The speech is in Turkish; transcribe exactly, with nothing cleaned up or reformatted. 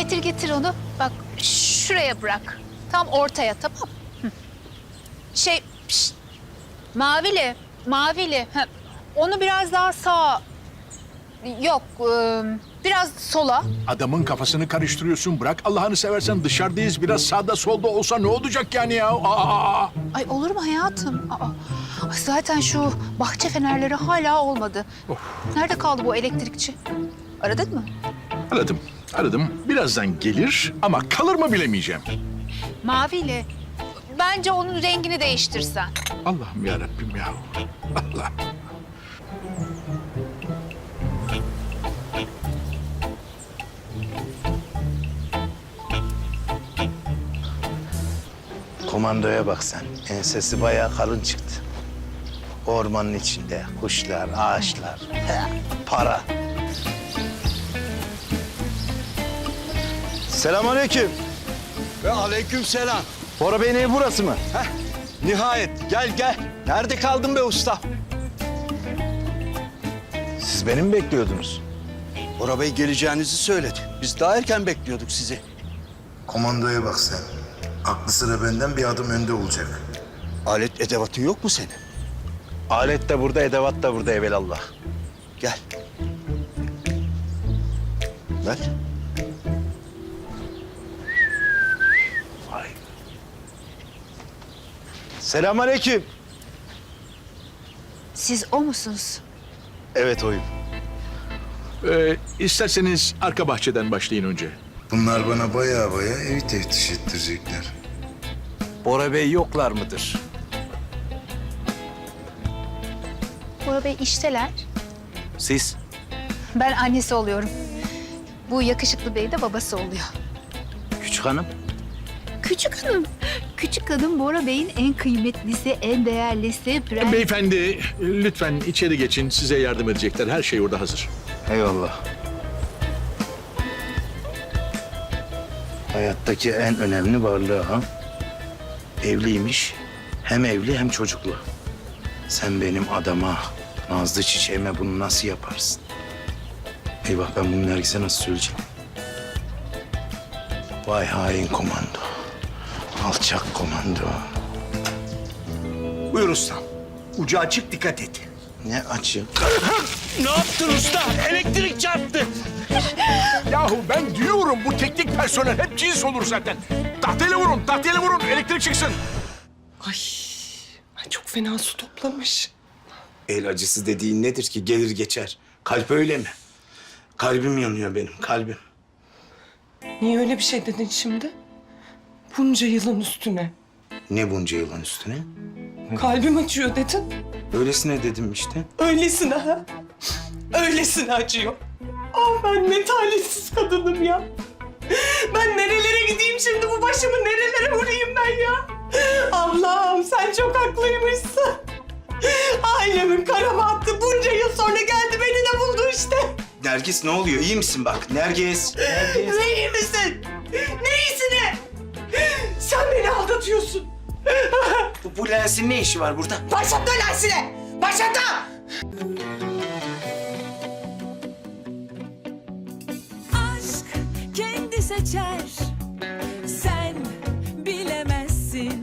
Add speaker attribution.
Speaker 1: getir getir onu. Bak şuraya bırak. Tam ortaya, tamam mı? Hı. Şey, pişt. Mavili, mavili. Ha, onu biraz daha sağa. Yok, e, biraz sola.
Speaker 2: Adamın kafasını karıştırıyorsun. Bırak Allah'ını seversen, dışarıdayız. Biraz sağda solda olsa ne olacak yani ya? Aa!
Speaker 1: Ay olur mu hayatım? Aa, ay zaten şu bahçe fenerleri hala olmadı. Nerede kaldı bu elektrikçi? Aradın mı?
Speaker 2: Aradım, aradım. Birazdan gelir ama kalır mı bilemeyeceğim.
Speaker 1: Maviyle. Bence onun rengini değiştirsen.
Speaker 2: Allah'ım ya Rabbim ya. Allah.
Speaker 3: Komandoya bak sen. Ensesi bayağı kalın çıktı. Ormanın içinde kuşlar, ağaçlar, he, para. Selamünaleyküm.
Speaker 4: Ve aleyküm selam.
Speaker 3: Bora Bey'in evi burası mı?
Speaker 4: Heh, nihayet gel gel. Nerede kaldın be usta?
Speaker 3: Siz beni mi bekliyordunuz?
Speaker 4: Bora Bey geleceğinizi söyledi. Biz daha erken bekliyorduk sizi.
Speaker 5: Komandoya bak sen. Aklı sıra benden bir adım önde olacak.
Speaker 4: Alet edevatın yok mu senin?
Speaker 3: Alet de burada, edevat da burada evelallah.
Speaker 4: Gel. Ver.
Speaker 3: Vay. Selamünaleyküm.
Speaker 1: Siz o musunuz?
Speaker 3: Evet oyum.
Speaker 2: Ee, isterseniz arka bahçeden başlayın önce.
Speaker 5: Bunlar bana baya baya evi teftiş ettirecekler.
Speaker 3: Bora Bey yoklar mıdır?
Speaker 1: Bora Bey işteler.
Speaker 3: Siz?
Speaker 1: Ben annesi oluyorum. Bu yakışıklı bey de babası oluyor.
Speaker 3: Küçük hanım.
Speaker 1: Küçük hanım. Küçük hanım Bora Bey'in en kıymetlisi, en değerlisi. Prens...
Speaker 2: Beyefendi, lütfen içeri geçin. Size yardım edecekler. Her şey orada hazır.
Speaker 3: Eyvallah. Hayattaki en önemli varlığı ha. Evliymiş. Hem evli hem çocuklu. Sen benim adama, nazlı çiçeğime bunu nasıl yaparsın? Eyvah, ben bunu Nergis'e nasıl söyleyeceğim? Vay hain komando. Alçak komando.
Speaker 4: Buyur ustam. Ucu açık, dikkat et.
Speaker 3: Ne açı?
Speaker 4: Ne yaptın usta? Elektrik çarptı.
Speaker 2: Yahu ben diyorum, bu teknik personel hep cins olur zaten. Tahtayla vurun, tahtayla vurun. Elektrik çıksın.
Speaker 6: Ay, ay çok fena su toplamış.
Speaker 3: El acısı dediğin nedir ki? Gelir geçer. Kalp öyle mi? Kalbim yanıyor benim, kalbim.
Speaker 6: Niye öyle bir şey dedin şimdi? Bunca yılın üstüne.
Speaker 3: Ne bunca yılan üstüne?
Speaker 6: Kalbim acıyor dedin.
Speaker 3: Öylesine dedim işte.
Speaker 6: Öylesine ha. Öylesine acıyor. Ah ben ne talihsiz kadınım ya. Ben nerelere gideyim şimdi, bu başımı nerelere vurayım ben ya? Allah'ım sen çok haklıymışsın. Ailemin kara bahtı bunca yıl sonra geldi, beni de buldu işte.
Speaker 3: Nergis ne oluyor? İyi misin bak? Nergis. Nergis.
Speaker 6: Ne iyi misin? Ne iyisine? Sen beni aldatıyorsun.
Speaker 3: Bu, bu lensin ne işi var burada?
Speaker 6: Başlatma lensine! Başlatma!
Speaker 7: Aşk kendi seçer